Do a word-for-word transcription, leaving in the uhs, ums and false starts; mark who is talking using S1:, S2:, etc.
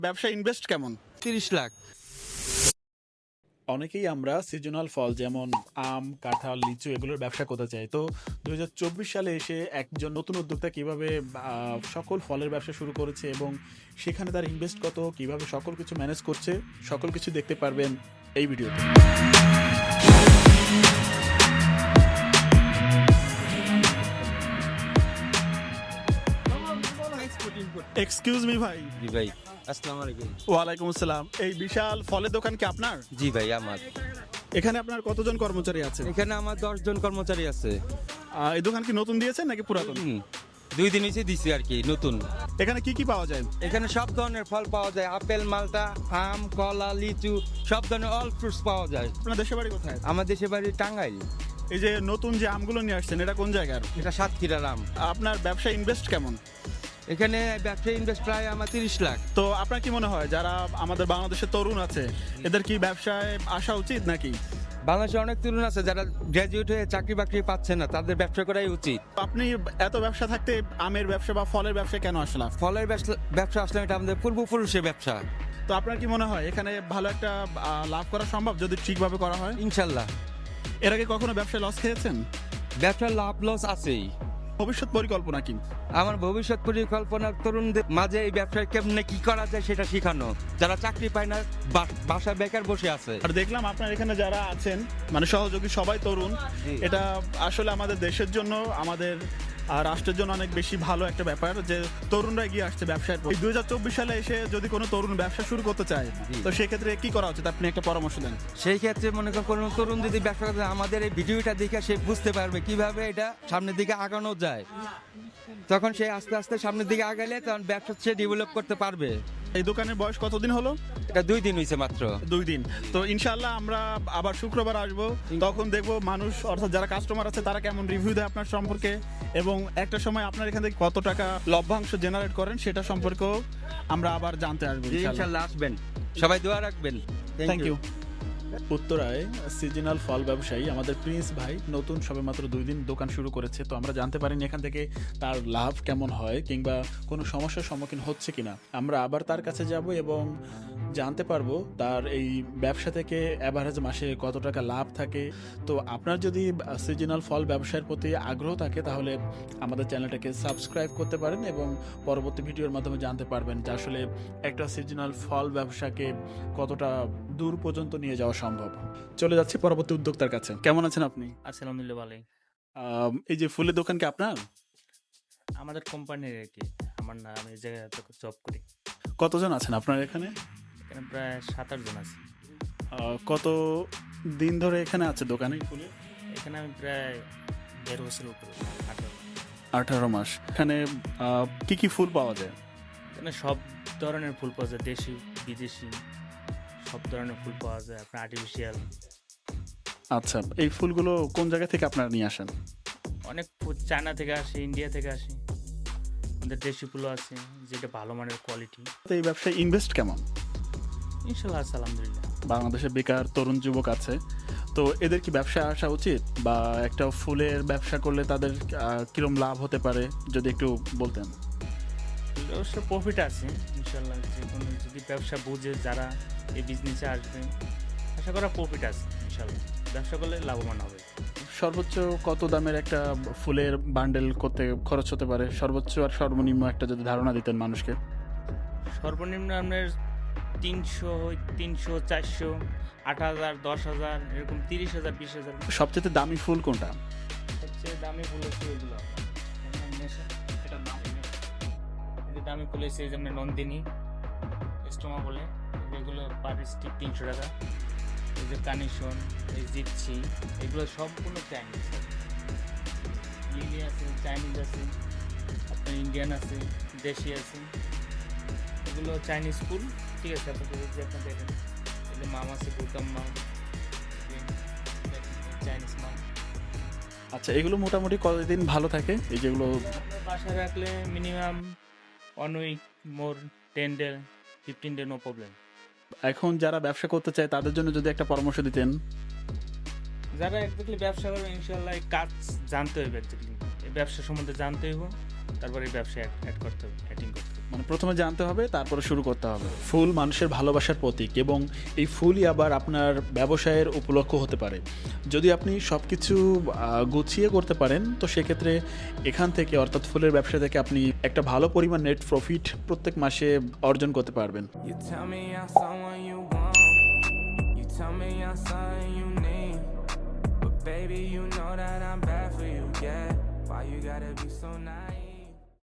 S1: ব্যবসা ইনভেস্ট কেমন?
S2: তিরিশ লাখ।
S1: অনেকেই আমরা সিজনাল ফল যেমন আম, কাঁঠাল, লিচু এগুলোর ব্যবসা করতে চাই। তো দুই হাজার চব্বিশ সালে এসে একজন নতুন উদ্যোক্তা কিভাবে আহ, সকল ফলের ব্যবসা শুরু করেছে এবং সেখানে তার ইনভেস্ট কত, কিভাবে সকল কিছু ম্যানেজ করছে, সকল কিছু দেখতে পারবেন এই ভিডিওতে। এক্সকিউজ মি ভাই।
S2: জি ভাই, আসসালামু আলাইকুম।
S1: ওয়ালাইকুম আসসালাম। এই বিশাল ফলের দোকান কি আপনার?
S2: জি ভাই, আমার
S1: এখানে আপনার কতজন কর্মচারী আছে?
S2: এখানে আমার দশ জন কর্মচারী আছে।
S1: আহ, এই দোকান কি নতুন দিয়েছেন নাকি পুরাতন?
S2: হুম, দুই দিন হয়েছে দিছি আর কি, নতুন।
S1: এখানে কি কি পাওয়া যায়?
S2: এখানে সব ধরনের ফল পাওয়া যায়, আপেল, মালটা, আম, কলা, লিচু, সব ধরনের অল ফ্রুটস পাওয়া যায়।
S1: আপনার দেশের বাড়ি কোথায়?
S2: আমার দেশের বাড়ি টাঙ্গাইল।
S1: এই যে নতুন যে আমগুলো নিয়ে আসছেন এটা কোন জায়গার?
S2: এটা সাতক্ষীরার আম।
S1: আপনার ব্যবসা ইনভেস্ট কেমন?
S2: এখানে ব্যবসা ইনভেস্ট প্রায় আমার তিরিশ লাখ।
S1: তো আপনার কি মনে হয় যারা আমাদের বাংলাদেশের তরুণ আছে এদের কি ব্যবসায় আসা উচিত নাকি?
S2: বাংলাদেশে অনেক তরুণ আছে যারা গ্র্যাজুয়েট হয়ে চাকরি বাকরি পাচ্ছে না, তাদের ব্যবসা করাই উচিত।
S1: আপনি এত ব্যবসা থাকতে আমের ব্যবসা বা ফলের ব্যবসা কেন আসলাম?
S2: ফলের ব্যবসা ব্যবসা আসলে এটা আমাদের পূর্বপুরুষের ব্যবসা।
S1: তো আপনার কি মনে হয় এখানে ভালো একটা আহ, লাভ করা সম্ভব যদি ঠিকভাবে করা হয়?
S2: ইনশাল্লাহ।
S1: এর আগে কখনো ব্যবসায় লস খেয়েছেন?
S2: ব্যবসার লাভ লস আছেই।
S1: ভবিষ্যৎ পরিকল্পনা কি?
S2: আমার ভবিষ্যৎ পরিকল্পনা তরুণদের মাঝে এই ব্যবসায় কেমনে কি করা যায় সেটা শেখানো, যারা চাকরি পায় না, বা- বাসায় বেকার বসে আছে।
S1: আর দেখলাম আপনার এখানে যারা আছেন মানে সহযোগী সবাই তরুণ।
S2: জি।
S1: এটা আসলে আমাদের দেশের জন্য, আমাদের আর রাষ্ট্রের জন্য অনেক বেশি ভালো একটা ব্যাপার যে তরুণরা এগিয়ে আসছে ব্যবসায়। দুই হাজার চব্বিশ সালে এসে যদি কোনো তরুণ ব্যবসা শুরু করতে চায়
S2: জি।
S1: তো সেক্ষেত্রে কি করা উচিত? আপনি একটা পরামর্শ দেন।
S2: সেই ক্ষেত্রে মনে করেন কোনো তরুণ যদি ব্যবসা করতে চায়, আমাদের এই ভিডিওটা দেখে সে বুঝতে পারবে কিভাবে এটা সামনের দিকে আগানো যায়। তখন সে আস্তে আস্তে সামনের দিকে আগালে তখন ব্যবসা সে ডেভেলপ করতে পারবে।
S1: এই দোকানের বয়স কতদিন হলো?
S2: এটা দুই দিন হয়েছে মাত্র।
S1: দুই দিন। তো ইনশাল্লাহ আমরা আবার শুক্রবার আসবো, তখন দেখবো মানুষ অর্থাৎ যারা কাস্টমার আছে তারা কেমন রিভিউ দেয় আপনার সম্পর্কে, এবং একটা সময় আপনার এখান থেকে কত টাকা লভ্যাংশ জেনারেট করেন সেটা সম্পর্কেও আমরা আবার জানতে আসবো ইনশাল্লাহ।
S2: ইনশাল্লাহ আসবেন, সবাই দোয়া রাখবেন।
S1: Thank you. উত্তরায় সিজনাল ফল ব্যবসায়ী আমাদের প্রিন্স ভাই নতুন সবেমাত্র দুই দিন দোকান শুরু করেছে। তো আমরা জানতে পারিনি এখান থেকে তার লাভ কেমন হয় কিংবা কোনো সমস্যার সম্মুখীন হচ্ছে কিনা। আমরা আবার তার কাছে যাব এবং জানতে পারবো তার এই ব্যবসা থেকে অ্যাভারেজ মাসে কত টাকা লাভ থাকে। তো আপনার যদি সিজনাল ফল ব্যবসার প্রতি আগ্রহ থাকে তাহলে আমাদের চ্যানেলটাকে সাবস্ক্রাইব করতে পারেন এবং পরবর্তী ভিডিওর মাধ্যমে জানতে পারবেন যে আসলে একটা সিজনাল ফল ব্যবসাকে কতটা দূর পর্যন্ত নিয়ে যাওয়া সম্ভব। চলে যাচ্ছি পরবর্তী উদ্যোক্তার কাছে। কেমন আছেন আপনি?
S3: আলহামদুলিল্লাহ ভালোই।
S1: আম, এই যে ফুলের দোকান কি আপনার?
S3: আমাদের কোম্পানির আর কি, আমার না, আমি এই জায়গায় জব করি।
S1: কতজন আছেন আপনার এখানে?
S3: এখানে প্রায় সাত আট জন আছি।
S1: আহ, কত দিন ধরে এখানে আছে দোকানে ফুলে?
S3: এখানে আমি প্রায় দেড় বছর উপরে, আঠারো।
S1: আঠারো মাস। এখানে আহ, কি কি ফুল পাওয়া যায়?
S3: এখানে সব ধরনের ফুল পাওয়া যায়, দেশি বিদেশি সব ধরনের ফুল পাওয়া যায়, আপনার আর্টিফিশিয়াল।
S1: আচ্ছা, এই ফুলগুলো কোন জায়গা থেকে আপনারা নিয়ে আসেন?
S3: অনেক ফুল চায়না থেকে আসে, ইন্ডিয়া থেকে আসে, আমাদের দেশি ফুলও আছে যেটা ভালো মানের কোয়ালিটি।
S1: তো এই ব্যবসায় ইনভেস্ট কেমন?
S3: ইনশাল্লাহ আছে, আলহামদুলিল্লাহ।
S1: বাংলাদেশে বেকার তরুণ যুবক আছে, তো এদের কি ব্যবসায় আসা উচিত বা একটা ফুলের ব্যবসা করলে তাদের আহ, কিরম লাভ হতে পারে যদি একটু বলতেন।
S3: অবশ্য প্রফিট আছে ইনশাল্লাহ, যে কোনো যদি ব্যবসা বুঝে যারা এই বিজনেসে আসবে, আশা করা প্রফিট আছে ইনশাল্লাহ, ব্যবসা করলে লাভবান হবে।
S1: সর্বোচ্চ কত দামের একটা ফুলের বান্ডেল করতে খরচ হতে পারে? সর্বোচ্চ আর সর্বনিম্ন একটা যদি ধারণা দিতেন মানুষকে।
S3: সর্বনিম্ন আপনার তিনশো তিনশো চারশো আট হাজার দশ হাজার এরকম, তিরিশ হাজার বিশ হাজার।
S1: সবচেয়ে দামি ফুল কোনটা?
S3: সবচেয়ে দামি ফুল হচ্ছে এগুলো, দামি ফুল হচ্ছে যেমন নন্দিনী, স্টোমা বলে, এগুলো পার স্টিক তিনশো টাকা। এই যে কানেকশন, এই জিপসি, এগুলো সম্পূর্ণ চাইনিজ। লিলি আছে, চাইনিজ আছে, আপনার ইন্ডিয়ান আছে, দেশি আছে, এগুলো চাইনিজ ফুল। ঠিক আছে, আপনাদের যে আপনার দেখেন এই যে মাম আছে, বুলকাম মাম, চাইনিজ মাম।
S1: আচ্ছা, এগুলো মোটামুটি কতদিন ভালো থাকে এই যেগুলো?
S3: আপনার বাসায় রাখলে minimum one week, more ten day fifteen day, no problem.
S1: এখন যারা ব্যবসা করতে চায় তাদের জন্য যদি একটা পরামর্শ দিতেন।
S3: যারা একদমই ব্যবসা করবে ইনশাল্লাহ এই কাজ জানতে হইবে, একদমই এই ব্যবসা সম্বন্ধে জানতে হইব, তারপরে এই ব্যবসায় অ্যাড করতে হবে, অ্যাডিং করতে হবে।
S1: মানে প্রথমে জানতে হবে, তারপরে শুরু করতে হবে। ফুল মানুষের ভালোবাসার প্রতীক এবং এই ফুলই আবার আপনার ব্যবসায়ের উপলক্ষ হতে পারে। যদি আপনি সব কিছু গুছিয়ে করতে পারেন তো সেক্ষেত্রে এখান থেকে অর্থাৎ ফুলের ব্যবসা থেকে আপনি একটা ভালো পরিমাণ নেট প্রফিট প্রত্যেক মাসে অর্জন করতে পারবেন।
S4: You tell me I'm someone you want. You tell me I'm something you need. But baby, you know that I'm bad for you, yeah. Why you gotta be so nice?